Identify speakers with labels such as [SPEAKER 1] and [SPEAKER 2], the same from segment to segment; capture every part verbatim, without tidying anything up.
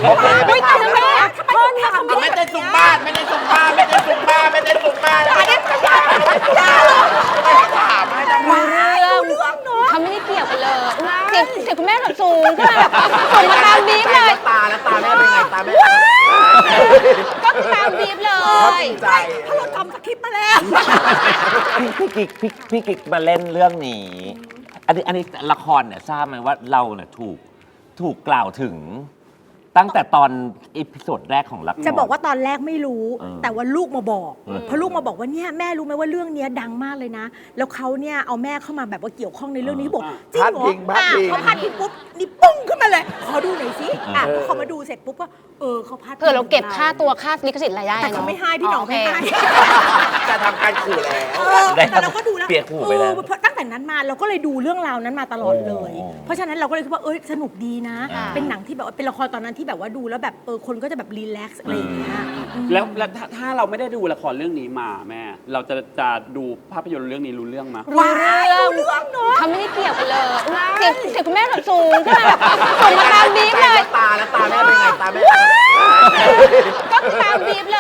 [SPEAKER 1] ไม่ทำแม่พ่อเนี่ยเขาไม่
[SPEAKER 2] ไม่
[SPEAKER 1] ได้
[SPEAKER 2] ได้ซุมบ้านไม่ได้ซุมบ้านไม่ได้ซุมบ้านไม่ได้ซุมบ้านไม่ได้ซุมบ้านถามให้ทำไม
[SPEAKER 1] เรื่องเขาไม่ได้เกี่ยวกันเลยเสียงเสียงคุณแม่แบบสูงก็แบบส่งมาตามบีบเลย
[SPEAKER 2] ตาแล้วตาแม่เป็นไงตาแม่
[SPEAKER 1] ก็คือตามบีบเลย
[SPEAKER 2] ใจ
[SPEAKER 1] เพราะเราทำสคริปต์มาแล้ว
[SPEAKER 3] พี่กิ๊กพี่พี่กิ๊กมาเล่นเรื่องนี้ อันนี้อันนี้ละครเนี่ยทราบไหมว่าเราเนี่ยถูกถูกกล่าวถึง ตั้งแต่ตอนอีพิโซดแรกของละคร
[SPEAKER 4] จะบอกว่าตอนแรกไม่รู้
[SPEAKER 3] เออ
[SPEAKER 4] แต่ว่าลูกมาบอก
[SPEAKER 3] เออ
[SPEAKER 4] เพราะลูกมาบอกว่าเนี่ยแม่รู้ไหมว่าเรื่องเนี้ยดังมากเลยนะ แล้วเขาเนี่ยเอาแม่เข้ามาแบบว่าเกี่ยวข้องในเรื่องนี้บอกจริงเหรออ่ะเขาพาดพิงปุ๊บนี่ปุ้งขึ้นมาเลยขอดูหน่อยสิอ่ะพอเขามาดูเสร็จปุ๊บก็เออเขาพาดพิง
[SPEAKER 1] เผื่อเราเก็บค่าตัวค่าลิขสิทธิ์รายได้
[SPEAKER 4] แต่เขาไม่ให้พี่หนองไม่ให้
[SPEAKER 2] จะทำการขู่แล้ว
[SPEAKER 4] เออแต่เราก็ดูแล้ว
[SPEAKER 3] เปียกหูไปแล้ว
[SPEAKER 4] เออเพราะตั้งแต่นั้นมาเราก็เลยดูเรื่องราวนั้นมาตลอดเลย
[SPEAKER 3] โอ้
[SPEAKER 4] เพราะฉะนั้นเราก็เลยคิดว่าเอ้ยสนุกดีนะ
[SPEAKER 3] อ่า
[SPEAKER 4] เป็นหนังที่แบบว่าเป็นละครตอนนั้นที่แบบว่าดูแล้วแบบเออคนก็จะแบบรีแลกซ์อะไรอย่างเงี้ย
[SPEAKER 5] แล้วแล้วถ้าถ้าเราไม่ได้ดูละครเรื่องนี้มาแม่ เราจะจะดูภาพยนตร์เรื่องนี้รู้เรื่องไหม
[SPEAKER 1] รู้เรื่องรู้เรื่องเนาะเขาไม่ได้เกี่ยวกันเลยเสียงเสียงคุณแม่แบบสูงก็แบบส่งมาตามบีบเลย
[SPEAKER 2] ตาแล้วตาแม่เป็นไงตาแม่
[SPEAKER 1] ก็คือตามบีบเลย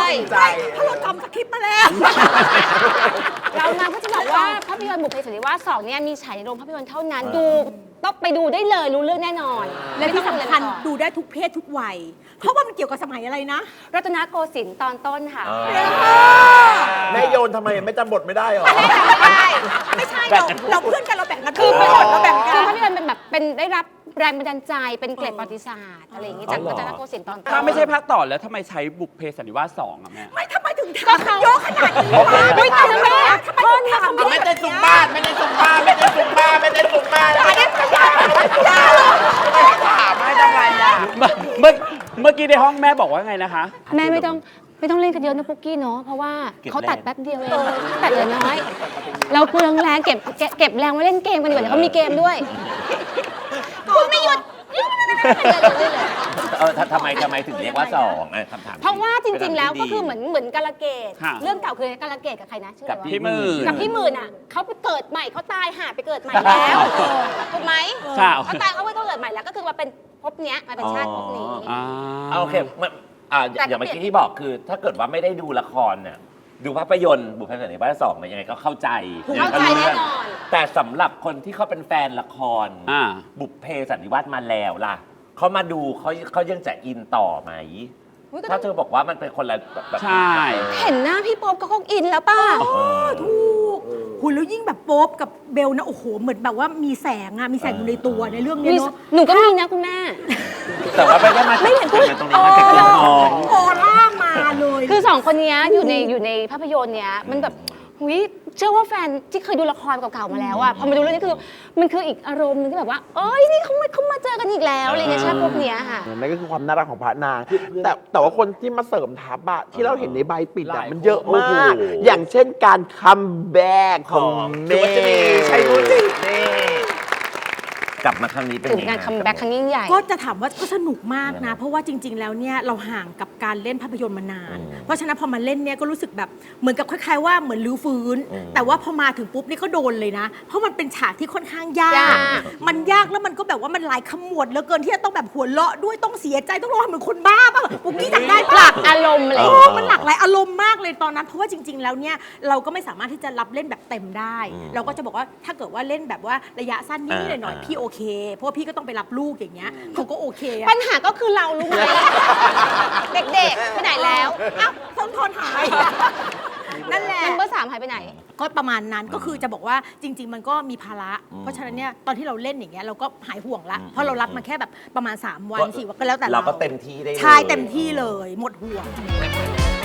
[SPEAKER 2] ใจ
[SPEAKER 4] เพราะเราทำสคริปต์มาแล้ว
[SPEAKER 1] เรามาก็จะบอกว่าภาพยนตร์บุพเพสันนิวาสสองเนี่ยมีฉายในโรงภาพยนตร์เท่านั้นดูต้องไปดูได้เลยรู้เรื่องแน่นอน
[SPEAKER 4] และที่สำคัญ
[SPEAKER 1] ดู
[SPEAKER 4] ดูได้ทุกเพศทุกวัย เพราะว่ามันเกี่ยวกับสมัยอะไรนะ
[SPEAKER 1] รัตนโกสินทร์ตอนต้นค่ะ
[SPEAKER 2] แม่โยนทำไมไม่จำบทไม่ได้หรอ
[SPEAKER 1] ไม่ได้
[SPEAKER 4] ไม่ใช่เราเราเพื่อนกันเราแบ่งกัน
[SPEAKER 1] คือเป็น
[SPEAKER 4] เราแบ่งกั
[SPEAKER 1] คือน ภาพยนตร์เป็นแบบเป็นได้รับแรงบันดาลใจเป็นเกร็ดประวัติศาสตร์อะไรอย่างงี้จาก
[SPEAKER 3] อ๋อ
[SPEAKER 1] รั
[SPEAKER 3] เหรอ
[SPEAKER 1] ตนโกสินทร์ตอนต้น
[SPEAKER 5] ถ้าไม่ใช่ภาคต่อแล้วทำไมใช้บุพเพสันนิวาสสองอะแม่
[SPEAKER 4] ไม่ทำไมถึง
[SPEAKER 1] ก็
[SPEAKER 4] ทำ
[SPEAKER 1] เขา
[SPEAKER 4] เยอะขนาดนี้วะ
[SPEAKER 1] ไม่ทำทำไมอะ
[SPEAKER 4] ทำไมถึงทำ
[SPEAKER 2] ไม่ได้ซุมบ้านไม่ได้ซุมบ้านไม่ได้ซุมบ้านไม่ได้ซุมบ้านไม่ได้ซุมบ้านถามให้ทำไมอ่ะ
[SPEAKER 5] เมื่อเมื่อเมื่อกี้ในห้องแม่บอกว่าไงนะคะ
[SPEAKER 1] แม่ไม่ต้องไม่ต้องเล่นกันเยอะนะปุ๊กกี้เนาะเพราะว่าเขาตัดแป๊บเดียวเองตัดเหลือน้อย เราเปลืองแรงเก็บเก็บเก็บแรงไว้เล่นเกมกันดีกว่าเดี๋ยวเขามีเกมด้วยคุณไม่หยุดเลยเลย
[SPEAKER 3] เออทำทำไมทำไมถึงเรียกว่าสองอ่ะคำถาม
[SPEAKER 1] เพราะว่าจริงๆ แล้วก็คือเหมือนเหมือนกาลเกต
[SPEAKER 5] ค่ะ
[SPEAKER 1] เรื่องเก่าคือกาลเกตกับใครนะชื่อ
[SPEAKER 3] กั
[SPEAKER 1] อะ
[SPEAKER 3] บ
[SPEAKER 1] ไร
[SPEAKER 3] พี่
[SPEAKER 1] วะ
[SPEAKER 3] หมื่น
[SPEAKER 1] กับพี่หมื่นอ่ะเขาไปเกิดใหม่เขาตายหาไปเกิดใหม่แล้วถูกไหม
[SPEAKER 5] ค่ะ
[SPEAKER 1] เขาตายเขาไปเกิดใหม่แล้วก็คือมาเป็นภพเนี้ยมาเป็นชาติภพนี้
[SPEAKER 5] อ่า
[SPEAKER 3] อ่ะโอเคมันอ่า
[SPEAKER 1] แต่
[SPEAKER 3] อย่างเมื่อกี้ที่บอกคือ ถ้าเกิดว่าไม่ได้ดูละครเนี่ยดูภาพยนตร์บุพเพสันนิวาสสองเนี่ยยังไงก็เข้าใจ
[SPEAKER 1] เข้าใจแน่นอน
[SPEAKER 3] แต่สำหรับคนที่เขาเป็นแฟนละคร
[SPEAKER 5] อ่า
[SPEAKER 3] บุพเพสันนิวาสมาแล้วล่ะเขามาดูเขาเขายังจะอินต่อไหม
[SPEAKER 1] อุ๊ยก็
[SPEAKER 3] ถ้าเธอบอกว่ามันเป็นคนละแบบแบบ
[SPEAKER 5] ใช่
[SPEAKER 1] เห็นหน้าพี่ป๊อบก็คงอินแล้วป่ะ
[SPEAKER 3] เออ
[SPEAKER 4] ถูกหุ่นแล้วยิ่งแบบโป๊บกับเบลนะโอ้โหเหมือนแบบว่ามีแสงอะมีแสงอยู่ในตัวในเรื่องเนี้ย
[SPEAKER 1] มี
[SPEAKER 4] เนาะ
[SPEAKER 1] หนูก็มีนะคุณแม่
[SPEAKER 3] แต่ว่าไม่ได้มาจาก
[SPEAKER 1] ไม่เห็นพูด
[SPEAKER 3] ตรงนี้มาจากเรื่องน้อง
[SPEAKER 4] โอร่ามาเลย
[SPEAKER 1] คือสองคนเนี้ยอยู่ในอยู่ในภาพยนตร์เนี้ยมันแบบหุยเชื่อว่าแฟนที่เคยดูละครเก่าๆมาแล้วอะพอมาดูเรื่องนี้คือมันคืออีกอารมณ์หนึงที่แบบว่าเอ้ยนี่เขามาเขามาเจอกันอีกแล้วอะไรเงี้ยชาติพวกเนี้ยค่ะ
[SPEAKER 6] นั่นก็คือความน่ารักของพระนาง แต่แต่ว่าคนที่มาเสริมทัพอะที่เราเห็นในใบปิด
[SPEAKER 5] ห
[SPEAKER 6] อะ
[SPEAKER 5] ลาย
[SPEAKER 6] มันเยอะ
[SPEAKER 3] โอ้
[SPEAKER 6] มาก
[SPEAKER 3] โห
[SPEAKER 6] อย่างเช่นการคัมแบ็กของ
[SPEAKER 3] ของ
[SPEAKER 6] เม
[SPEAKER 3] สุวรรณ
[SPEAKER 6] ย์
[SPEAKER 3] ชัยวุฒินี่กลับมาครั้งนี้เป็น
[SPEAKER 1] ถึง
[SPEAKER 3] ยังไง
[SPEAKER 1] การคัมแบ็กครั้งยิ่งใหญ่
[SPEAKER 4] ก็จะถามว่าก็สนุกมากนะ เพราะว่าจริง ๆ แล้วเนี่ยเราห่างกับการเล่นภาพยนตร์มานาน เพราะฉะนั้นพอมาเล่นเนี่ยก็รู้สึกแบบเหมือนกับคล้ายๆว่าเหมือนลื้อฟื้น แต่ว่าพอมาถึงปุ๊บนี่ก็โดนเลยนะ เพราะมันเป็นฉากที่ค่อนข้างยาย
[SPEAKER 1] าก ก
[SPEAKER 4] มันยากแล้วมันก็แบบว่ามันหลายขมวดเหลือเกินที่จะต้องแบบหัวเราะด้วยต้องเสียใจต้องร้องเหมือนคนบ้าป่ะปุ๊กกี้จำได้
[SPEAKER 1] ห
[SPEAKER 4] ปะ
[SPEAKER 1] ลักอารมณ์อะไร
[SPEAKER 4] โอ้มันหลากหลายอารมณ์มากเลยตอนนั้น เพราะว่าจริง ๆ แล้วเนี่ยเราก็ไม่สามารถที่จะรับเล่นแบบเต็มได้ เราก็จะบอกว่าถ้าเกิดว่าเล่นแบบว่าระยะสั้นนิดๆหน่อยๆพี่โอเค เพราะว่าพี่ก็ต้องไปรับลูกอย่างเงี้ยเขาก็โอเคอะ
[SPEAKER 1] ปัญหาก็คือเรารู้ไหม เด็กๆไปไหนแล้ว
[SPEAKER 4] อ้าวต้นทอนหาย นั่นแหละ
[SPEAKER 1] เมมเบอร์สามหายไปไหน
[SPEAKER 4] ก็ประมาณนั้นก็คือจะบอกว่าจริง ๆ มันก็มีภาระ เพราะฉะนั้นเนี่ยตอนที่เราเล่นอย่างเงี้ยเราก็หายห่วงละเพราะเรารับมาแค่แบบประมาณ สาม วันสี่วันก็แล้วแต่
[SPEAKER 3] เราก็เต็มที่ได้เลย
[SPEAKER 4] ใช่เต็มที่เลยหมดห่วง